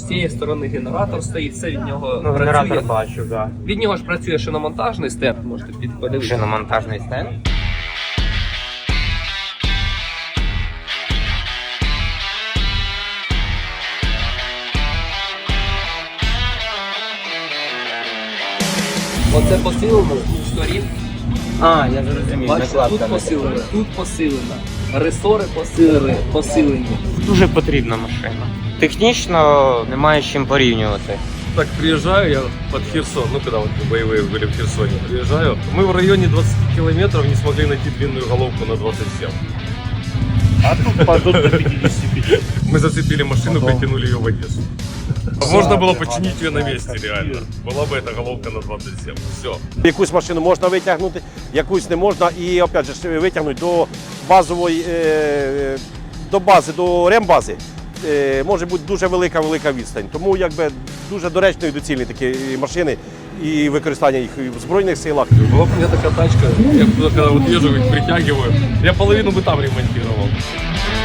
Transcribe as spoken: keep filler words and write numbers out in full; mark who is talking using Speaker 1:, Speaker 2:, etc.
Speaker 1: цієї сторони генератор стоїть, все від нього
Speaker 2: Ну,
Speaker 1: працює.
Speaker 2: генератор бачу, да.
Speaker 1: Від нього ж працює шиномонтажний стенд, можете під- подивитися.
Speaker 2: Шиномонтажний стенд.
Speaker 1: Оце посилено з сторін.
Speaker 2: А, я зрозумів.
Speaker 1: Бачите,
Speaker 2: накладка
Speaker 1: тут
Speaker 2: на
Speaker 1: посилено,
Speaker 2: таку.
Speaker 1: тут посилено. Ресори посилені, посилені.
Speaker 2: Дуже потрібна машина. Технічно немає з чим порівнювати.
Speaker 3: Так, приезжаю я под Херсон, ну когда вот боевые были в Херсоне, приезжаю. Мы в районе двадцати километров не смогли найти длинную головку на двадцать семь.
Speaker 4: А тут падут до пятидесяти пяти.
Speaker 3: Мы зацепили машину,
Speaker 4: Потом.
Speaker 3: притянули ее в Одессу. Можно было починить ее на месте реально. Была бы эта головка на двадцать семь. Все.
Speaker 5: Якусь машину можна витягнути, якусь не можна. І опять же витягнути до базової, е, до бази, до рембази е, може бути дуже велика-велика відстань. Тому якби дуже доречно і доцільні такі машини і використання їх і в Збройних силах.
Speaker 3: Была бы у меня такая тачка, я туда когда вот езжу, их притягиваю, я половину бы там ремонтировал.